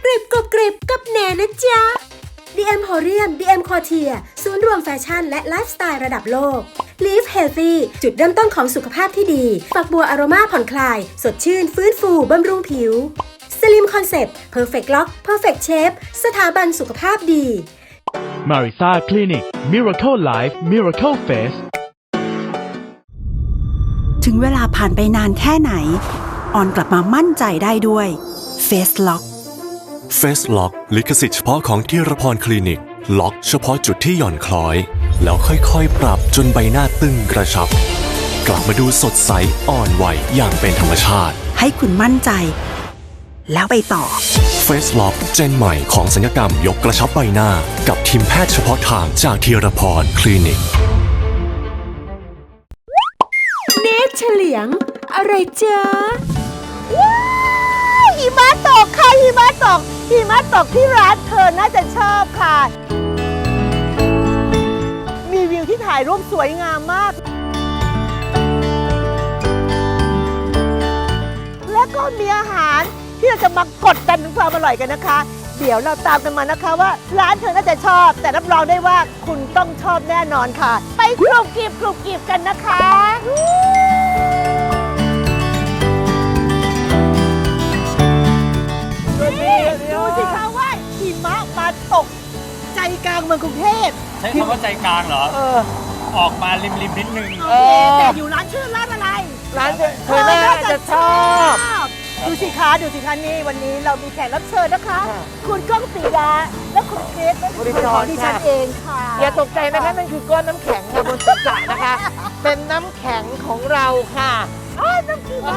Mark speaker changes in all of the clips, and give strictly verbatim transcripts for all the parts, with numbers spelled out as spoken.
Speaker 1: กริบกรอบกริบกับแหนนะจ๊ะ ดี เอ็ม Horium ดี เอ็ม Couture ศูนย์รวมแฟชั่นและไลฟ์สไตล์ระดับโลก Live Healthy จุดเริ่มต้นของสุขภาพที่ดี ฝักบัวอโรมาผ่อนคลาย สดชื่น ฟื้นฟู บำรุงผิว Slim Concept Perfect Lock Perfect Shape สถาบันสุขภาพดี
Speaker 2: Marisa Clinic Miracle Life Miracle Face
Speaker 3: ถึงเวลาผ่านไปนานแค่ไหนออนกลับมามั่นใจได้ด้วย Face Lock
Speaker 4: Face Lock ลิขสิทธิ์เฉพาะของธีรพรคลินิก ล็อกเฉพาะจุดที่หย่อนคล้อย แล้วค่อยๆ ปรับจนใบหน้าตึงกระชับ กลับมาดูสดใสอ่อนไหวอย่างเป็นธรรมชาติ
Speaker 3: ให้คุณมั่นใจ แล้วไปต่อ
Speaker 4: Face Lock เจนใหม่ของศัลยกรรมยกกระชับใบหน้า กับทีมแพทย์เฉพาะทางจากธีรพรคลินิก
Speaker 1: เนตเฉลียง อะไรจ๊ะ
Speaker 5: ว้าวหิมะตกค่ะหิมะตกหิมะตกที่ร้านเธอน่าจะชอบค่ะ มีวิวที่ถ่ายรูปสวยงามมาก และก็มีอาหารที่เราจะมากดดันถึงความอร่อยกันนะคะ เดี๋ยวเราตามกันมานะคะว่าร้านเธอน่าจะชอบ แต่รับรองได้ว่าคุณต้องชอบแน่นอนค่ะ ไปกรุบกริบกรุบกริบกันนะคะดูสิคะว่าหิมะมาตกใจกลางเมืองกรุงเทพ
Speaker 6: ใช้คำว่าใจกลางเหรอ
Speaker 5: เออ
Speaker 6: ออกมาริมริมๆนิดนึง
Speaker 5: โอเคแต่อยู่ร้านชื่อร้านอะไร
Speaker 7: ร้านเธอน่าจะชอบ
Speaker 5: ดูสิคะดูสิคะนี่วันนี้เรามีแขกรับเชิญนะคะ คุณก้องปิยะและคุณเกรซและคุณของดิฉันเองค่ะ
Speaker 7: อย่าตกใจนะคะนั่นคือก้อนน้ำแข็งค่ะบนศีรษะนะคะ เป็นน้ำแข็งของเราค่ะ
Speaker 5: อ้าวน้ำขิง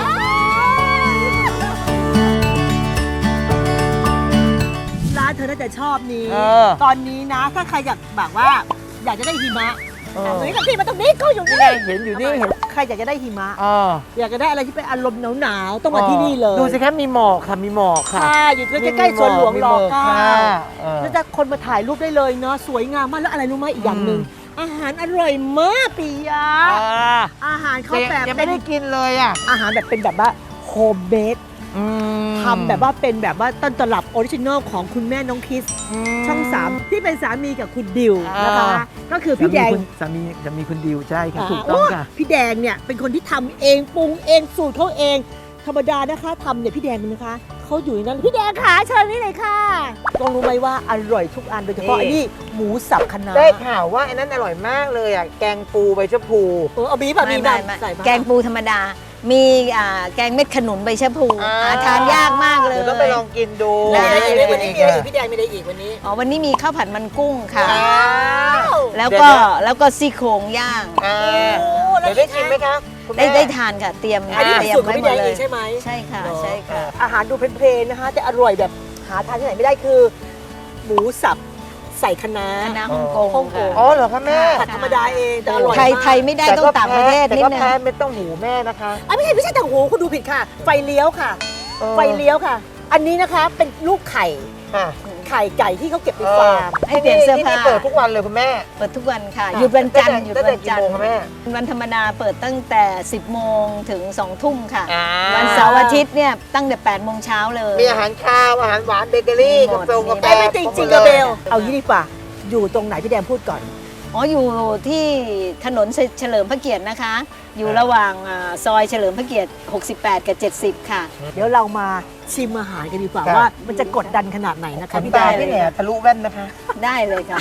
Speaker 5: ร้านเธอน่าจะชอบนี้
Speaker 7: เออ
Speaker 5: ตอนนี้นะถ้าใครอยากแบบว่า อยากจะได้หิมะ
Speaker 7: เออ
Speaker 5: ตรงนี้กับที่มาตรงนี้ก็อยู่นี่
Speaker 7: เห็นอยู่นี่เห็น
Speaker 5: ใครอยากจะได้หิมะ
Speaker 7: เออ
Speaker 5: อยากจะได้อะไรที่เป็นอารมณ์หนาวๆต้องมาที่นี่เลย
Speaker 7: ดูสิคะมีหมอกค่ะมีหมอกค่ะ
Speaker 5: ค่ะอยู่ใกล้ๆสวนหลวงรอเก้า
Speaker 7: ค่ะเออ
Speaker 5: แล้วจะคนมาถ่ายรูปได้เลยเนาะสวยงามมากแล้วอะไรรู้ไหมอีกอย่างหนึ่งอาหารอร่อยมากปิยะ
Speaker 7: อ่า
Speaker 5: อาหารเขา
Speaker 7: แต่
Speaker 5: แบบ
Speaker 7: ยัง
Speaker 5: เป็
Speaker 7: ไม่
Speaker 5: น
Speaker 7: ได้กินเลยอ่ะ
Speaker 5: อาหารแบบเป็นแบบว่าโฮมเมด
Speaker 7: อืม
Speaker 5: ทำแบบว่าเป็นแบบว่าต้นตลับออริจินอลของคุณแม่น้องคิส
Speaker 7: ม
Speaker 5: ช่องสามที่เป็นสามีกับคุณดิวนะคะ
Speaker 7: อ่า
Speaker 5: ก็คือพี่แดง
Speaker 7: สามีจะมีคุณดิวใช่ค่ะ
Speaker 5: อ่า
Speaker 7: ถูกต้องค่ะ
Speaker 5: โพี่แดงเนี่ยเป็นคนที่ทำเองปรุงเองสูตรเขาเอง ธรรมดานะคะทำเนี่ยพี่แดงมันนะคะเขาอยู่ในนั้นพี่แดงขาเชิญนี่เลยค่ะต้องรู้ไหมว่าอร่อยทุกอันโดยเฉพาะ
Speaker 7: นี่
Speaker 5: ไอ้นี่หมูสับคะน้า
Speaker 7: ได้ข่าวว่าไอ้นั้นอร่อยมากเลยอ่ะแกงปูใบชะพู
Speaker 5: เออเอาบีบอะ
Speaker 8: ไม่
Speaker 5: บีบ
Speaker 8: ไม่
Speaker 5: อะ
Speaker 8: ไม่
Speaker 5: ใส่มา
Speaker 8: แกงปูธรรมดา มีอ่าแกงเม็ดขนุนใบชะพู
Speaker 7: อ่า
Speaker 8: หาทานยากมากเลย
Speaker 7: เดี๋ยวต้องไปลองกินดู
Speaker 8: ได้
Speaker 5: มีอะไรอีกวันนี้มีอะไรอีกพี่แดงมีอะไรอีกวันนี้
Speaker 8: อ๋อวันนี้มีข้าวผัดมันกุ้งค่ะ
Speaker 7: ว้าว
Speaker 8: แล้วก็
Speaker 7: เดี๋ยว
Speaker 8: แล้วก็ซี่โครงย่าง
Speaker 7: อ่า
Speaker 5: โอ้
Speaker 7: เดี๋ยวได้กินไหมคะคุณ
Speaker 8: ได้
Speaker 7: แม่
Speaker 8: ได้ทานค่ะ เตรียม
Speaker 5: อันนี้
Speaker 8: เตรียม
Speaker 5: สูตรของ
Speaker 8: ไว้
Speaker 5: พี่
Speaker 8: หม
Speaker 5: แด
Speaker 8: ด
Speaker 5: ง
Speaker 8: เล
Speaker 5: เอย งใช่ไหม
Speaker 8: ใช่ค่ะ
Speaker 5: เนอะ
Speaker 8: ใช่ค่ะ
Speaker 5: อาหารดูเพลนๆนะคะแต่อร่อยแบบหาทานที่ไหนไม่ได้คือ หมูสับใส่คะน้า
Speaker 8: คณะฮ่องกง
Speaker 5: ฮ่องก
Speaker 8: ค่ะ
Speaker 5: ง
Speaker 7: อ๋อเหรอคะแม่
Speaker 5: ผัดธรรมดาเองแต่อร่อย
Speaker 8: ไทย
Speaker 5: มาก
Speaker 8: ไทยไม่ได้ต้องต่างประเทศ
Speaker 7: แต่
Speaker 8: นิด
Speaker 7: ก็
Speaker 8: นึง
Speaker 7: แพ้ไม่ต้องหูแม่นะคะ
Speaker 5: อ่ะไม่ใช่ไม่ใช่แต่โหคุณดูผิดค่ะ ไฟเลี้ยวค่ะ
Speaker 7: เออ
Speaker 5: ไฟเลี้ยวค่ะ อันนี้นะคะเป็นลูกไข่
Speaker 7: ค่ะ
Speaker 5: ไข่ไก่ที่เขาเก็บในฟาร์ม
Speaker 8: ให้เปลี่ยนเสื้อผ้า
Speaker 7: ที่นี่เปิดทุกวันเลยคุณแม่
Speaker 8: เปิดทุกวันค่ะหยุดวันจันทร์หยุด
Speaker 7: ตั้ง
Speaker 8: วั
Speaker 7: แต่
Speaker 8: น
Speaker 7: กี่
Speaker 8: จันท
Speaker 7: โมง
Speaker 8: ร์
Speaker 7: คะแม่
Speaker 8: วันธรรมดาเปิดตั้งแต่ สิบโมงถึงสองทุ่มค่ะ
Speaker 7: อ่า
Speaker 8: วันเสาร์อาทิตย์เนี่ยตั้งแต่แปดโมงเช้าเลย
Speaker 7: มีอาหารข้าวอาหารหวานเบเกอรี่
Speaker 8: มีหม
Speaker 7: กา
Speaker 8: ด
Speaker 7: แฟกาแฟ
Speaker 5: เอ้ยไม่จริงจริงๆกระเบล เอางี้ดีกว่า อยู่ตรงไหนพี่แดงพูดก่อน
Speaker 8: อ๋ออยู่ที่ถนนเฉลิมพระเกียรตินะคะ อยู่ระหว่างอ่าซอยเฉลิมพระเกียรติหกสิบแปดกับเจ็ดสิบค่ะ
Speaker 5: เดี๋ยวเรามาชิมอาหารกันดีกว่า
Speaker 7: ครับ
Speaker 5: ว่ามันจะกดดันขนาดไหนนะคะ
Speaker 7: พี่
Speaker 5: พี่
Speaker 7: ตา
Speaker 5: แดง
Speaker 7: พี่เนี่ยทะลุแว่นนะคะ
Speaker 8: ได้เลยค่ะ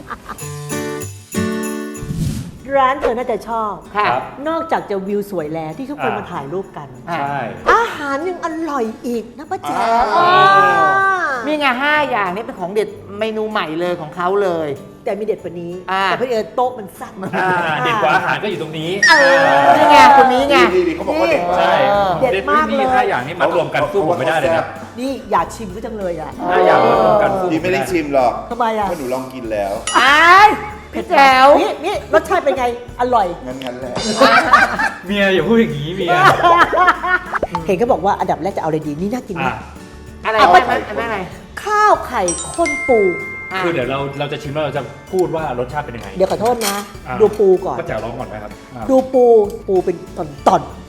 Speaker 5: ร้านเธอน่าจะชอบ
Speaker 7: ค่ะ
Speaker 5: นอกจากจะวิวสวยแล้วที่ทุกคน
Speaker 6: อ่าม
Speaker 5: มาถ่ายรูปกัน
Speaker 6: ใช่
Speaker 5: อาหารยังอร่อยอีกนะป้าแจ๋ว
Speaker 7: อ่า
Speaker 5: อ่า
Speaker 7: มีไงห้าอย่างนี้เป็นของเด็ดเมนูใหม่เลยของเขาเลย
Speaker 5: แต่มีเด็ดกว่านี้
Speaker 7: อ่า
Speaker 5: แต่เพื่อนโต๊ะมันสั้น
Speaker 6: อ่าเด็ดกว่าอาหารก็อยู่ตรงนี้
Speaker 5: เออ
Speaker 7: นี่ไงคนนี้ไง
Speaker 9: ดีดีเขาบอกว่าเด็ดมาก
Speaker 6: ใช่
Speaker 5: เด็ดมากเลย
Speaker 6: นี่ห้าอย่างนี้มารวมกันสู้ผมไม่ได้เลยนะ
Speaker 5: นี่อยากชิมก็จังเลยอ่ะ
Speaker 6: ห้าอย่างมารวมกันสู้
Speaker 9: ดีไม่ได้ชิมหรอก
Speaker 5: ทำไมอ่ะ
Speaker 9: เพราะหนูลองกินแล้ว
Speaker 7: อ้ายพี่แจ๋ว
Speaker 5: นี่นี่รสชาติเป็นไง อร่อย
Speaker 9: งั้นงั้นแหละ
Speaker 6: เมียอย่าพูดอย่างนี้เมีย
Speaker 5: เห็นเขาบอกว่าอันดับแรกจะเอาอะไรดีนี่น่ากิน
Speaker 6: อ่ะ
Speaker 5: มาก
Speaker 7: อะไร
Speaker 5: อ่ะ
Speaker 7: อะไรอะไรอะไร
Speaker 5: ข้าวไข่ข้นปู
Speaker 7: ะ
Speaker 6: คือเดี๋ยวเราเราจะชิมแล้วเราจะพูดว่ารสชาติเป็นยังไง
Speaker 5: เดี๋ยวขอโทษนะ
Speaker 6: อ่ะ
Speaker 5: ดูปูก่อน
Speaker 6: ก็แจ๋วร้องก่อนไหมครับอ่ะ
Speaker 5: ดูปูปูเป็นตอนตอน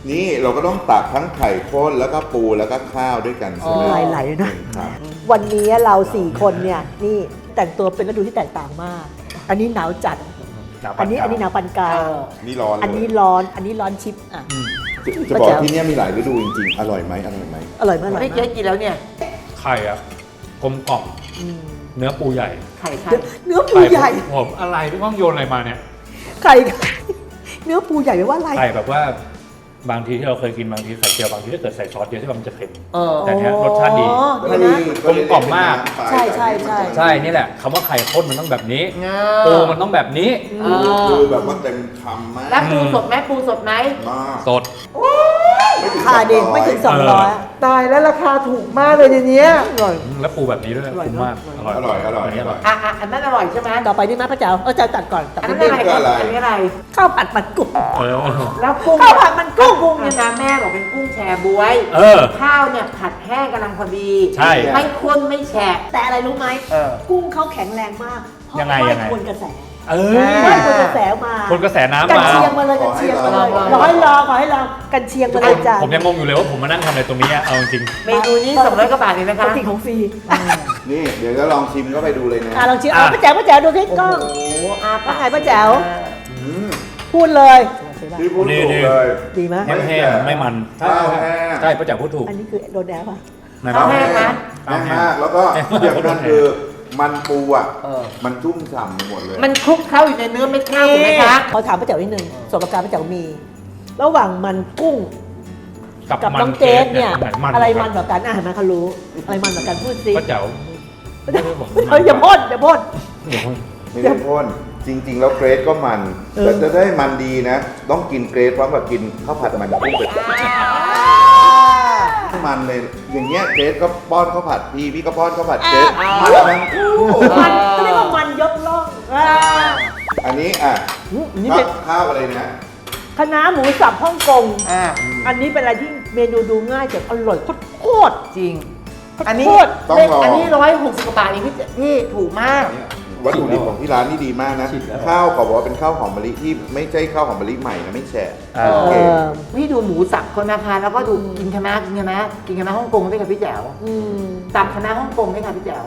Speaker 9: นี่เราก็ต้องตักทั้งไข่ข้นแล้วก็ปูแล้วก็ข้าวด้วยกันใช่ไหม
Speaker 5: ลายไหลนะ
Speaker 9: ครับ
Speaker 5: วันนี้เราสี่คนเนี่ยนี่แต่งตัวเป็นฤดูที่แตกต่างมาก อันนี้หนาวจัด
Speaker 6: หนาวปา
Speaker 5: อันนี้
Speaker 6: กลาง
Speaker 5: อันนี้หนาวปานกลาง
Speaker 9: นี่ร้อนเลย
Speaker 5: อันนี้ร้อนอันนี้ร้อนชิปอ่ะ
Speaker 9: จะจะบอกที่เนี่ยมีหลายฤดูจริงๆ อร่อยไหมอร่อยไหม
Speaker 5: อร่อยมากอร่อย
Speaker 7: ไม่
Speaker 5: มา
Speaker 7: เจ๊
Speaker 5: ก
Speaker 7: กินแล้วเนี่ย
Speaker 6: ไข่อะกลมกล่อม
Speaker 5: อืม
Speaker 6: เนื้อปูใหญ่
Speaker 7: ไข่ไข่
Speaker 5: เนื้อปูใหญ่
Speaker 6: ไข่ผมอะไรพี่ก้องโยนอะไรมาเนี่ย
Speaker 5: ไข่เนื้อปูใหญ่แปลว่าอะไร
Speaker 6: ไข่แบบว่าบางทีที่เราเคยกินบางทีไข่เจียวบางทีถ้าเกิดใส่ซอสเยอะที่มันจะเค็ม
Speaker 7: เออ
Speaker 6: แต่เนี้ยรสชาติดี
Speaker 5: อ๋อ
Speaker 9: แล้ว
Speaker 5: เดี๋ยวนะ
Speaker 6: กลมกล่อมมาก
Speaker 5: ใช่ใช่ใช่
Speaker 6: ใช่นี่แหละคำว่าไข่ข้นมันต้องแบบนี้
Speaker 7: เงา
Speaker 6: ปูมันต้องแบบนี้
Speaker 7: เออ
Speaker 9: คือแบบว่าเต็มคำมาก
Speaker 7: แล้วปูสดไหมปูสดไหม
Speaker 9: มาก
Speaker 6: สด
Speaker 9: ไม่ถึง
Speaker 5: ค่าเด็กไม่ถึง
Speaker 9: สองร้อย
Speaker 5: สองร้อย
Speaker 7: ตายแล้วราคาถูกมากเลยในเนี้ย
Speaker 5: อร่อย
Speaker 6: แล้วปูแบบนี้ด้วย
Speaker 5: อร่อย
Speaker 6: คุ้มมาก
Speaker 5: เนอะ
Speaker 6: อร่อย
Speaker 9: อร่อยอร่อย
Speaker 6: นนี้
Speaker 9: อร่อย
Speaker 7: อ่ะอ่ะอันนั้นอร่อยใช่ไหม
Speaker 5: ต่อไปนี่นะพระเจ้าเออจะตัดก่อนตัด
Speaker 7: อัน
Speaker 5: นิ
Speaker 7: นั้
Speaker 5: ด
Speaker 7: น
Speaker 5: นึ
Speaker 7: อะ
Speaker 5: ง
Speaker 7: ไร
Speaker 9: อะไร
Speaker 7: อันนี้อะไร
Speaker 5: ข้าวผัดมันกุ้ง
Speaker 6: เออ
Speaker 7: แล้วกุ้ง
Speaker 5: ข้าวผัดมันกุ้ง
Speaker 7: กุ้งเนี่ยนะแม่บอกเป็นกุ้งแชบวย
Speaker 6: เออ
Speaker 7: ข้าวเนี่ยผัดแห้งกำลังพอดี
Speaker 6: ใช่
Speaker 7: ไม่ข้นไม่แฉะ
Speaker 5: แต่อะไรรู้ไหม
Speaker 7: เออ
Speaker 5: กุ้งเขาแข็งแรงมากเพราะ
Speaker 6: ยังไง
Speaker 5: ว่า
Speaker 6: ยังไง
Speaker 5: คนกระแส
Speaker 6: เอ
Speaker 5: ไม่
Speaker 6: อ
Speaker 5: คนกระแสมา
Speaker 6: คนกระแสน้ำ
Speaker 5: กัน
Speaker 6: มา
Speaker 5: เชียงมาเลยกันเชียงมาเลย
Speaker 7: ขอให้
Speaker 5: ร
Speaker 7: ล
Speaker 5: อ
Speaker 7: อง
Speaker 5: ให้รอขอให้รอกันเชียงมาเลยจ้ะ
Speaker 6: ผมยังงงอยู่เลยว่าผมมานั่งทำอะไรตรงนี้อะเอาจริง
Speaker 7: เมนูนี้สองร้อยกว่าบาทเองนะคะ
Speaker 5: ปกติของฟรี
Speaker 9: นี่เดี๋ยวจะลองชิมก็ไปดูเลยนะ
Speaker 5: อ่ะลองชิมเอาป้าแจ๋วป้าแจ๋วดูที่กล้อง
Speaker 7: โอ้โหอาปาก
Speaker 5: ว่าไงป้าแจ๋ว
Speaker 9: อืม
Speaker 5: พูดเลย
Speaker 9: ที่พูด
Speaker 6: นี่
Speaker 9: ถูก
Speaker 6: นี่
Speaker 9: เลย
Speaker 5: ดีไหม
Speaker 6: ๆไม่แห้งไม่มัน
Speaker 9: ข้าวแห้ง
Speaker 6: ใช่ป้าจ๋าพูดถูก
Speaker 5: อันนี้คือโดนแดดป่ะ
Speaker 6: นะ
Speaker 7: ข้าวแห้งนะ
Speaker 9: แห้งมากแล้วก็ที่สำคัญคือมันปูอ่ะ
Speaker 7: เออ
Speaker 9: มันชุ่มฉ่ำไปหมดเลย
Speaker 7: มันคลุกเข้าอยู่ในเนื้อเม็ดข้าวถูกไหมคะ
Speaker 5: ขอถามป้าแจ๋วนิดนึงส่วนประการป้าแจ๋วมี ระหว่างมันกุ้ง
Speaker 6: กับ
Speaker 5: กับ
Speaker 6: มั
Speaker 5: น้องเกสเนี่ย
Speaker 6: ไหนมัน
Speaker 5: อะไรมันกว่ากันอ่ะเห็นไหมเขารู้อะไรมันกว่ากันพูดสิ
Speaker 6: ป้าจ๋าไม่ได้บอก
Speaker 5: เฮ้ยอย่าพ่นอย่าพ่น
Speaker 6: อย่าพ่น
Speaker 9: ไม่ได้พ่นจริง ๆ แล้วเกรดก็มัน
Speaker 5: เออ
Speaker 9: แต่จะได้มันดีนะ ต้องกินเกรดพร้อมกับกินข้าวผัดมันกุ้งไปมันเลยอย่างเงี้ยเกรดก็ป้อนข้าวผัดพี่พี่ก็ป้อนข้าวผัดเกรดมันทั้งคู่
Speaker 5: มันก็เรียกว่ามันยกล่องอ่า
Speaker 9: อันนี้อ่ะ
Speaker 5: อืมอันนี้
Speaker 9: ข้า
Speaker 5: เป็
Speaker 9: วน ข้าวอะไรนะ
Speaker 5: คณะน้าหมูสับฮ่องกง
Speaker 7: อ่า
Speaker 5: อันนี้เป็นอะไรที่เมนูดูง่ายแต่อร่อยโคตร
Speaker 7: จริง อันนี้
Speaker 5: โคตร
Speaker 9: ต้องลอง
Speaker 7: อันนี้ร้อยหกสิบกว่าบาทเองพี่พี่ถูกมาก
Speaker 9: วัตถุดิบของที่ร้านนี่ดีมากนะ ข้าวเขาบอกว่าเป็นข้าวหอมมะลิที่ไม่ใช่ข้าวหอมมะลิใหม่นะไม่แฉะ
Speaker 6: อ่า
Speaker 9: โอเค
Speaker 5: เออ
Speaker 7: พี่ดูหมูสับคนนะคะแล้วก็ดูกินคณะกินคณะกินคณะฮ่องกงด้วยค่ะพี่แจ๋ว
Speaker 5: อืม
Speaker 7: ตับคณะฮ่องกงด้วยค่ะพี่แจ๋ว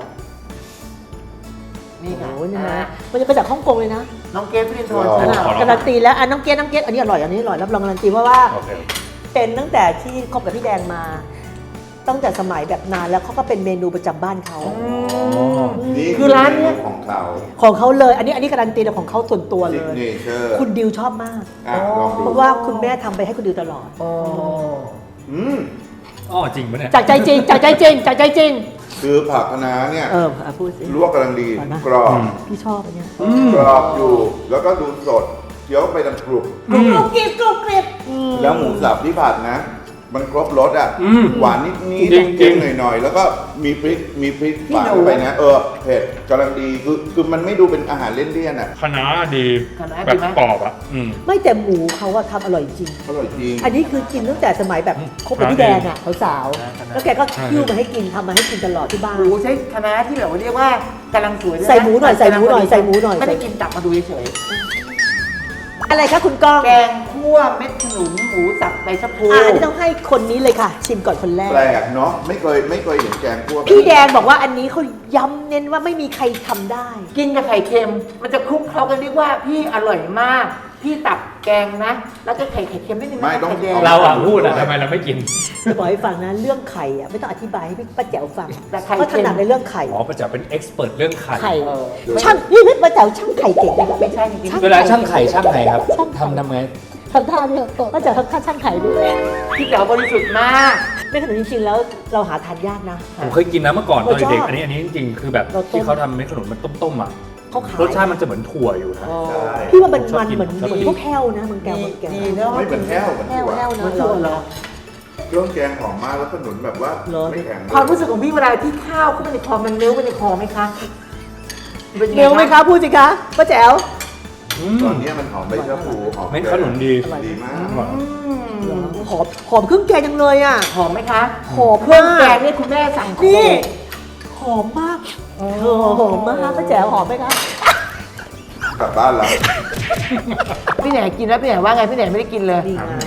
Speaker 7: นี่
Speaker 5: โอ้
Speaker 7: ค่ะ
Speaker 5: โหนี่
Speaker 7: อ่า
Speaker 5: นะมันจะมาจากฮ่องกงเลยนะ
Speaker 7: น้องเกฟฟิลินโทน
Speaker 9: อ๋อ
Speaker 7: ค่ะ
Speaker 6: ขอลอง
Speaker 5: การันตีแล้วอ่ะน้องเกดน้องเกดอันนี้อร่อยอันนี้อร่อยรับรองการันตีเพราะว่า
Speaker 6: โอเค
Speaker 5: เป็นตั้งแต่ที่คบกับพี่แดงมา ตั้งแต่สมัยแบบนานแล้วเขาก็เป็นเมนูประจำบ้านเขา
Speaker 9: นี่
Speaker 7: คือร้านเนี้ย
Speaker 9: ของเขา
Speaker 5: ของเขาเลย อันนี้อันนี้การันตีแต่ของเขาส่วนตัวเล
Speaker 9: ซิก
Speaker 5: ย
Speaker 9: เนเจอร์
Speaker 5: คุณดิวชอบมาก
Speaker 9: อ่ะลองดู
Speaker 5: เพราะว่าคุณแม่ทำไปให้คุณดิวตลอด
Speaker 7: โอ้
Speaker 9: อืม
Speaker 6: อ๋อจริงปะเนี่ย
Speaker 5: จากใจจริงจากใจจริงจากใจจริง
Speaker 9: คือผักคะน้าเนี่ย
Speaker 5: เอออ่ะพูดสิ
Speaker 9: ลวกกำลังดี
Speaker 5: อร่อยมาก
Speaker 9: กรอบ
Speaker 5: พี่ชอบอันเนี้ย
Speaker 9: กรอบอยู่ แล้วก็ดูสดเคี้ยวไปดังกรุบ
Speaker 5: กรุบกรุบกริบกรุบกริบ
Speaker 9: แล้วหมูสับที่ผัดนะ มันครบรสอ่ะ
Speaker 6: อืม
Speaker 9: หวานนิดนิด
Speaker 6: จริงๆ
Speaker 9: เค็มหน่อยๆ แล้วก็มีพริกมีพริกฝานเข้าไปนะ เออเผ็ดกำลังดีคือคือมันไม่ดูเป็นอาหารเลี่ยนๆอ่ะ
Speaker 6: คณะดี
Speaker 7: คณะ
Speaker 6: แบ
Speaker 7: ดี
Speaker 6: บ
Speaker 7: ไหม
Speaker 6: กรอบอ่ะอืม
Speaker 5: ไม่แต่หมูเขาอะทำอร่อยจริง
Speaker 9: อร่อยจริง
Speaker 5: อันนี้คือกินตั้งแต่สมัยแบบคบกับพี่แดงอะสาวๆแล้วแกก็คิ้วมาให้กินทำมาให้กินตลอดที่บ้าน
Speaker 7: หมูใช้คณะที่แบบว่าเรียกว่ากำลังสวยด้วยนะ
Speaker 5: ใส่หมูหน่อยใส่หมูหน่อยใส่หมูหน่อย
Speaker 7: ไม่ได้กินตับมาดูเฉย
Speaker 5: อะไรคะคุณก้อง
Speaker 7: ๆแกงคั่วเม็ดขนุนหมูสับใบชะพู
Speaker 5: อ่าอันนี้ต้องให้คนนี้เลยค่ะ ชิมก่อนคนแรก
Speaker 9: แปลกเนาะไม่เคยไม่เคยเห็นแกงคั่วแบบ
Speaker 5: พี่
Speaker 9: นี้
Speaker 5: แดงบอกว่าอันนี้เขาย้ำเน้นว่าไม่มีใครทำได้
Speaker 7: กินกับไข่เค็ม มันจะคลุกเคล้ากันเรียกว่าพี่อร่อยมาก พี่ตับแกงนะ แล้วก็ไข่ไข่เค็มนิดนึงนะ
Speaker 9: ไม่ต้อง
Speaker 7: ไข่แดง
Speaker 6: เราอ่ะพูดอ่ะทำไมเราไม่กิน
Speaker 5: จะบอกให้ฟังนะเรื่องไข่อะไม่ต้องอธิบายให้พี่ป้าแจ๋วฟัง
Speaker 7: แต่ไข่
Speaker 5: เขาถ
Speaker 7: เค็ม
Speaker 5: นัดในเรื่องไข่
Speaker 6: อ๋อป้าจ๋าเป็นเอ็กซ์เพรสเรื่องไข่
Speaker 5: ไข่
Speaker 7: เออ
Speaker 5: ช่างนี่พี่ป้าแจ๋วช่างไข่เก่งเลยนะ
Speaker 7: ไม่ใช่จริงๆ
Speaker 6: เวลาช่างไข่ช่างไงครับทำทำไง
Speaker 5: ทำท่าเนี่ยป้าแจ๋วทำท่าช่างไข่ด้วย
Speaker 7: พี่แจ๋วบริสุทธิ์มาก
Speaker 5: ไม่ขนาดจริงๆแล้วเราหาทานยากนะ
Speaker 6: ผมเคยกินนะเมื่อก่อนตอน
Speaker 5: เราชอบ
Speaker 6: เด็กๆอันนี้อันนี้จริงๆคือแบบ
Speaker 5: เราต้ม
Speaker 6: ที่เขาทำเม็ดขนุนมันต้มๆอ่ะ
Speaker 5: เขาขาย
Speaker 6: รสชาติมันจะเหมือนถั่วอยู่นะ
Speaker 9: ใช่
Speaker 5: พี่ว่ามันมัน
Speaker 6: ชอบกิน
Speaker 5: เหมือน
Speaker 6: ชอบกิน
Speaker 5: พวกแห้วนะมันแก้วมันแก้ว
Speaker 7: ดีเนาะ
Speaker 9: ไม่เป็นแห้วเหมือน
Speaker 5: แห้ว
Speaker 9: ถั่ว
Speaker 5: แห้วนะ
Speaker 7: มันถั่วเหรอ
Speaker 9: เครื่องแกงหอมมากแล้วขนุนแบบว่า
Speaker 5: เหรอ
Speaker 9: ไม่แข็ง
Speaker 7: ความรู้สึกของพี่เวลาที่ข้าวเข้าไปในคอมันเนื้อไปในคอไหมคะป็นง
Speaker 5: เร็วไหมคะพูดสิคะป้าแจ๋ว
Speaker 9: ตอนเนี้ยมันหอมใบชะพูหอม
Speaker 6: เม็ดขนุนดี
Speaker 9: ดีมาก
Speaker 7: อืม
Speaker 5: หอมหอมเครื่องแกงจังเลยอ่ะ
Speaker 7: หอมไหมคะ
Speaker 5: หอม
Speaker 7: เครื่อง
Speaker 5: มาก
Speaker 7: แกงเนี่ยคุณแม่สั่งโค
Speaker 5: นี่หอมมากเธอหอมมากป้าแจ๋วหอมไหมคะ
Speaker 9: กลับบ้านแล้ว
Speaker 7: พี่แหนกินแล้วพี่แหนว่าไงพี่แหนไม่ได้กินเลย
Speaker 5: นี่ไง
Speaker 7: พี่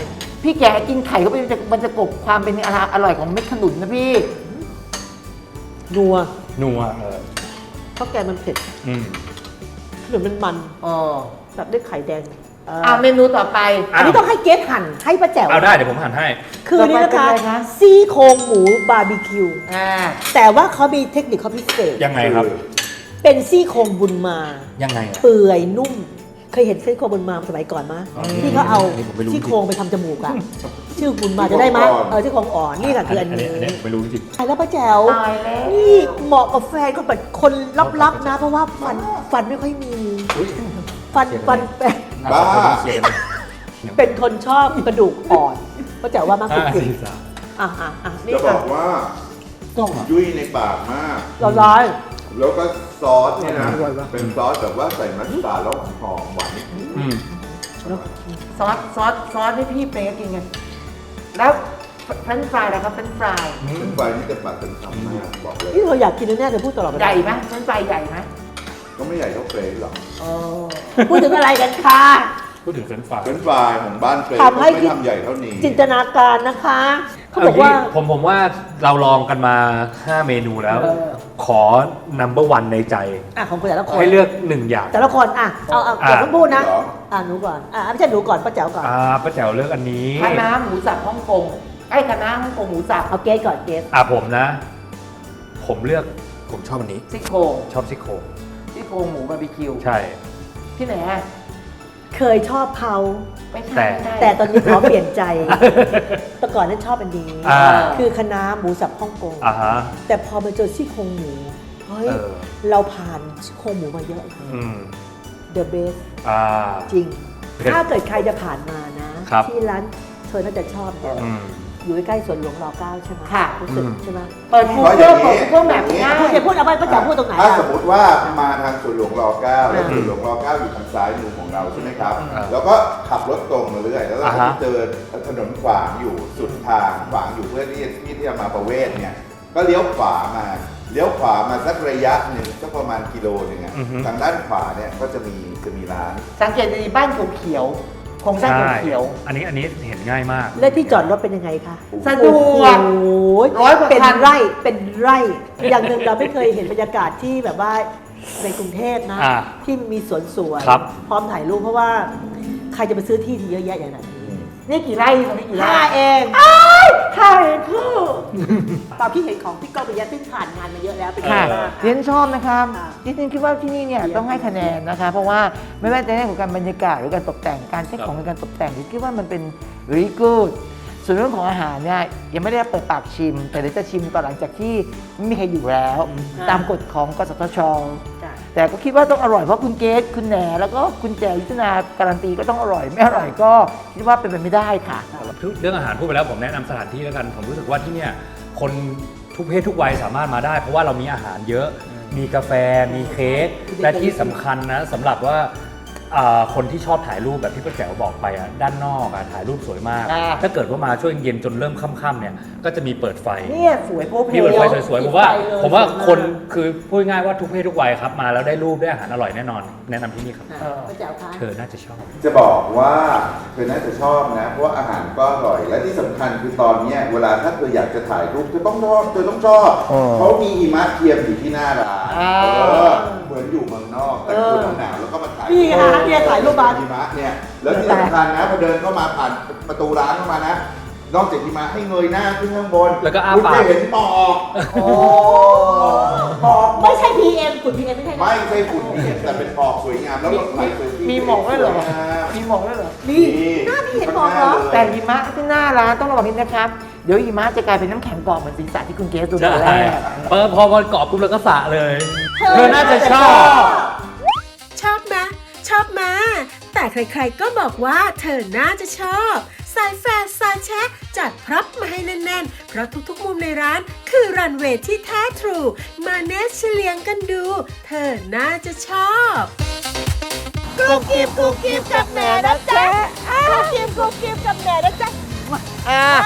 Speaker 7: พี่แกกินไข่เข้าไปมันจะมันจะกลบความเป็นอร่อยของเม็ดขนุนนะพี่
Speaker 5: นัว
Speaker 6: นัวเออ
Speaker 5: เพราะแกมันเผ็ด
Speaker 6: อืม
Speaker 5: ขนมมันมัน
Speaker 7: อ๋อ
Speaker 5: แบบด้วยไข่แดง
Speaker 7: อ่าเมนูต่อไป
Speaker 5: อันนี้ต้องให้เกสหั่นให้ป้าแจ๋ว
Speaker 6: เอาได้เดี๋ยวผมหั่นให้
Speaker 5: คือนี่นะคะ
Speaker 7: ต่อไปเป็นอะไรคะ
Speaker 5: ซี่โครงหมูบาร์บีคิว
Speaker 7: อ่า
Speaker 5: แต่ว่าเขามีเทคนิคเขาพิเศษ
Speaker 6: ยังไงครับ
Speaker 5: เป็นซี่โครงบุญมา
Speaker 6: ยังไงอะ
Speaker 5: เปื่อยนุ่ม เคยเห็นซี่โครงบุญมาสมัยก่อนมั้ย
Speaker 6: อ๋อ
Speaker 5: ที่เขาเอา
Speaker 6: อันนี้ผมไม่รู้
Speaker 5: ซี่โครงไปทำจมูกอะชื่อบุญมาจะได้ไหมเออซี่โครงอ่อนนี่ค่ะคืออันนี้
Speaker 6: อันนี้ผมไม่รู้จริง
Speaker 5: ตายแล้วป้าแจ๋ว
Speaker 7: ตายแล้ว
Speaker 5: นี่เหมาะกับแฟนก็แบบคนลับๆนะ เพราะว่าฟันฟันไม่ค่อยมี ฟันฟันเป็น
Speaker 9: บ้า
Speaker 6: เชียร์กัน
Speaker 5: เป็นคนชอบกระดูกอ่อนป้าแจ๋วว่ามากสุด
Speaker 6: ห้า
Speaker 5: สิ
Speaker 6: สี่สาม
Speaker 5: อ่ะอ่ะอ่ะนี่
Speaker 9: จะบ
Speaker 5: ค่ะ
Speaker 9: อกว่า
Speaker 5: ต้อง
Speaker 9: ยุ่ยในปากมาก
Speaker 5: ละลาย
Speaker 9: แล้วก็ซอสเนี่ยนะ เป็นซอสแบบว่าใส่มัสตาร์ดแล้วหอมหวาน
Speaker 6: อืม
Speaker 7: ซอสซอสซอสให้พี่เป๊กกินไงแล้วเฟรนช์ฟรายนะครับเฟรนช์ฟราย
Speaker 9: เป็นไฟนี่จะปากเป็นคำมากบอกเลย
Speaker 5: นี่เราอยากกินแน่ๆเดี๋ยวพูดตลอดเวลา
Speaker 7: ใหญ่ไหมเฟรนช์ฟรายใหญ่ไหม
Speaker 9: ก็ไม่ใหญ่เท่าเฟรนช์หรอก
Speaker 7: อ๋อ
Speaker 5: พูดถึงอะไรกันคะ
Speaker 6: พูดถึงเฟรนช์ฟราย
Speaker 9: เฟรนช์ฟรายของบ้านเฟรนช์
Speaker 5: ทำให้
Speaker 9: ไม่ทำใหญ่เท่านี้
Speaker 5: จินตนาการนะคะเขาบอกว่า
Speaker 6: เที่ผมผมว่าเราลองกันมาห้าเมนูแล้ว ขอ number one ในใจ
Speaker 5: อ่ะของคนแต่ละคน
Speaker 6: ให้เลือกหนึ่งอย่าง
Speaker 5: แต่ละคนอ่ะเอาเอา
Speaker 6: อ่ะ
Speaker 5: อย่าเพิ่งพูดนะ
Speaker 9: เหรอ
Speaker 5: อ่ะหนูก่อนอ่ะไม่ใช่หนูก่อนป้าแจ๋วก่อน
Speaker 6: อ่าป้าแจ๋วเลือกอันนี้
Speaker 7: คณะหมูสับฮ่องกงไอ้คณะฮ่องกงหมูสับ
Speaker 5: เอาเกสก่อนเกส
Speaker 6: อ่าผมนะ ผมเลือกผมชอบอันนี้
Speaker 7: ซี่โครง
Speaker 6: ชอบซี่โครง
Speaker 7: ซี่โครงหมูบาร์บีคิว
Speaker 6: ใช่
Speaker 7: ที่ไหนอะ
Speaker 5: เคยชอบเขา
Speaker 7: ไม่ใช่
Speaker 6: แต่
Speaker 7: ไม่ใช่
Speaker 5: แต่ตอนนี้ขอเปลี่ยนใจ แต่ก่อนนั้นชอบอันนี้
Speaker 6: อ่า
Speaker 5: คือคณะหมูสับฮ่องกง
Speaker 6: อ่าฮะ
Speaker 5: แต่พอมาเจอซี่โครงหมูเฮ้ย
Speaker 6: เออ
Speaker 5: เราผ่านซี่โครงหมูมาเยอะ
Speaker 6: อืม
Speaker 5: The best
Speaker 6: อ่า
Speaker 5: จริง
Speaker 6: เผ็ด
Speaker 5: ถ้าเกิดใครจะผ่านมานะ
Speaker 6: ครับ
Speaker 5: ที่ร้านเธอน่าจะชอบเนี่ย
Speaker 6: อืม
Speaker 5: อยู่ใกล้ๆสวนหลวงรเก้าใช่ไหม
Speaker 7: ค่ะ
Speaker 5: รู้สึก
Speaker 6: อืม
Speaker 5: ใช่ไหม
Speaker 7: เปิดกู
Speaker 9: เพราะอ
Speaker 7: เกิ
Speaker 9: ย่า
Speaker 7: ล
Speaker 9: งนี้
Speaker 7: เปิดกูเกิลแบบง่าย
Speaker 5: พูดจะพูดเอาไปป้าจ๋าพูดตรงไหน
Speaker 9: ถ้า
Speaker 5: อ่ะ
Speaker 9: สมมติว่ามาทางสวนหลวงรเก้าแล้วสวนหลวงรเก้าอยู่ทางซ้ายมือของเราใช่ไหมครับ
Speaker 6: อ่า
Speaker 9: แล้วก็ขับรถตรงมาเรื่อยแล้วเรา
Speaker 6: อ่า
Speaker 9: ก็
Speaker 6: ฮะ
Speaker 9: จะเจอถนนขวางอยู่สุดทางขวางอยู่เพื่อที่ที่ที่จะมาประเวศเนี่ยก็เลี้ยวขวามาเลี้ยวขวามาสักระยะหนึ่งสักประมาณกิโลหนึ่งอะ
Speaker 6: อือฮึ
Speaker 9: ทางด้านขวาเนี่ยก็จะมีจะมีร้าน
Speaker 7: สังเกตดีบ้านเขียวๆโครงสร้าง
Speaker 6: ใช่
Speaker 7: เขียว
Speaker 6: อันนี้อันนี้เห็นง่ายมาก
Speaker 5: และที่จอดรถเป็นยังไงคะ
Speaker 7: ๆสะดวก
Speaker 5: โอ้ย
Speaker 7: ร้อยกว่า
Speaker 5: เป็น
Speaker 7: คัน
Speaker 5: ไร่เป็นไร่ อย่างหนึ่งเราไม่เคยเห็นบรรยากาศที่แบบว่าในกรุงเทพนะ
Speaker 6: อ่า
Speaker 5: ที่มีสวนสวย
Speaker 6: ครับ
Speaker 5: พร้อมถ่ายรูปเพราะว่าใครจะไปซื้อที่ที่เยอะแยะอย่างนั้น
Speaker 7: นี่กี่ไร่ตรงนี้กี่ไร่
Speaker 5: ห้าเอง
Speaker 7: ห้าเองคือ
Speaker 5: ตามที่เห็นของพี่ก้องปิยะซึ่งผ่านงานมาเยอะแล้วเป็น
Speaker 7: ค่ะ
Speaker 5: ไงบ้าง
Speaker 7: เรียนชอบนะครับ
Speaker 5: ค่ะ
Speaker 7: ดิฉันคิดว่าที่นี่เนี่ยต้องให้คะแนนนะคะ เพราะว่าไม่ว่าจะในเรื่องของการบรรยากาศหรือการตกแต่งการใช้ของในการตกแต่งดิฉันคิดว่ามันเป็น very good ส่วนเรื่องของอาหารเนี่ยยังไม่ได้เปิดปากชิม แต่เดี๋ยวจะชิมตอนหลังจากที่ไม่มีใครอยู่แล้ว ตามกฎของกสทช
Speaker 5: จ้ะ
Speaker 7: แต่ก็คิดว่าต้องอร่อยเพราะคุณเกสคุณแหนแล้วก็คุณแจวยุทธนาการันตีก็ต้องอร่อยไม่อร่อยก็คิดว่าเป็นไปไม่ได้ค่ะ
Speaker 6: เรื่องอาหารพูดไปแล้วผมแนะนำสถานที่แล้วกัน ผมรู้สึกว่าที่เนี่ยคนทุกเพศทุกวัยสามารถมาได้ เพราะว่าเรามีอาหารเยอะ มีกาแฟมีเค้กและที่สำคัญนะสำหรับว่าอ่าคนที่ชอบถ่ายรูปแบบที่ป้าแจ๋วบอกไปอ่ะด้านนอกอ่ะถ่ายรูปสวยมาก
Speaker 7: อ่า
Speaker 6: ถ้าเกิดว่ามาช่วงเย็นจนเริ่มค่ำๆเนี่ยก็จะมีเปิดไฟ
Speaker 7: เนี่ยสวยโป๊ะเพ
Speaker 6: มีเปิดไฟ
Speaker 7: ล
Speaker 6: สวยๆผมว่า
Speaker 5: ปิดไฟเลย
Speaker 6: ผมว่า
Speaker 5: สวยมาก
Speaker 6: คนคือพูดง่ายว่าทุกเพศทุกวัยครับมาแล้วได้รูปได้อาหารอร่อยแน่นอน แนะนำที่นี่ครับ
Speaker 5: อ่ะป้าแจ๋วคะ
Speaker 6: เธอน่าจะชอบ
Speaker 9: จะบอกว่าเธอน่าจะชอบนะ เพราะว่าอาหารก็อร่อย และที่สำคัญคือตอนเนี้ยเวลาถ้าเธออยากจะถ่ายรูปเธอต้องชอบเธอต้องชอบ
Speaker 7: อ๋อ
Speaker 9: เขามีหิมะเทียมอยู่ที่หน้าร้าน
Speaker 7: อ่า
Speaker 9: เออเหมือนอยู่เมืองนอกแต่คุณหนาวแล้วก็มาถ่าย
Speaker 5: นี่ไงฮะเนี่ยถ่ายรูปมา
Speaker 9: หิมะเนี่ยแล้วที่สำคัญนะพอเดินเข้ามาผ่านประตูร้านเข้ามานะนอกจากหิมะให้เงยหน้าขึ้นข้างบน
Speaker 6: แล้วก็อ้า
Speaker 9: คุณ
Speaker 6: ปาก
Speaker 9: จะเห็นหมอก
Speaker 5: โอ้
Speaker 9: หมอก
Speaker 5: ไม่ใช่ พี เอ็ม ฝุ่น พี เอ็ม ไม่ใช่นะ
Speaker 9: ไม่ใช่ฝุ่นที่เห็นแต่เป็นหมอกสวยงามแล้วรถไฟสวย
Speaker 7: มีหมอกด้วยเหรอ
Speaker 9: สวยงาม
Speaker 7: มีหมอกด้วยเหรอ
Speaker 5: นี่หน้าพี่เห็นหมอกเหรอ
Speaker 7: แต่หิมะที่หน้าร้านต้องระวังนิดนะครับ เดี๋ยวหิมะจะกลายเป็นน้ำแข็งกรอบเหมือนศีรษะที่คุณเกสดูต
Speaker 6: ใช่
Speaker 7: อนแรก
Speaker 6: เออพอมันกรอบปุ๊บแล้วก็สระเลย เธอน่าจะชอบ
Speaker 1: ชอบมะชอบมา แต่ใครๆก็บอกว่าเธอน่าจะชอบสายแฟร์สายแชะจัดพร็อพมาให้แน่นๆ เพราะทุกๆมุมในร้านคือรันเวย์ที่แท้ทรู มาเนสเฉลียงกันดู เธอน่าจะชอบกรุบกริบกรุบกริบกับแหนนะจ๊ะกรุบกริบกรุบกริบกับแหนนะจ๊ะ
Speaker 7: อ่า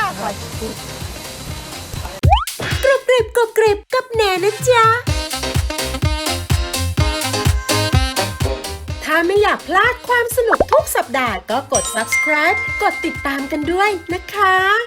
Speaker 1: กรุบกริบกรุบกริบกับแหนนะจ๊ะถ้าไม่อยากากพลาดความสนุกทุกสัปดาห์ก็กด ซับสไครบ์ กดติดตามกันด้วยนะคะ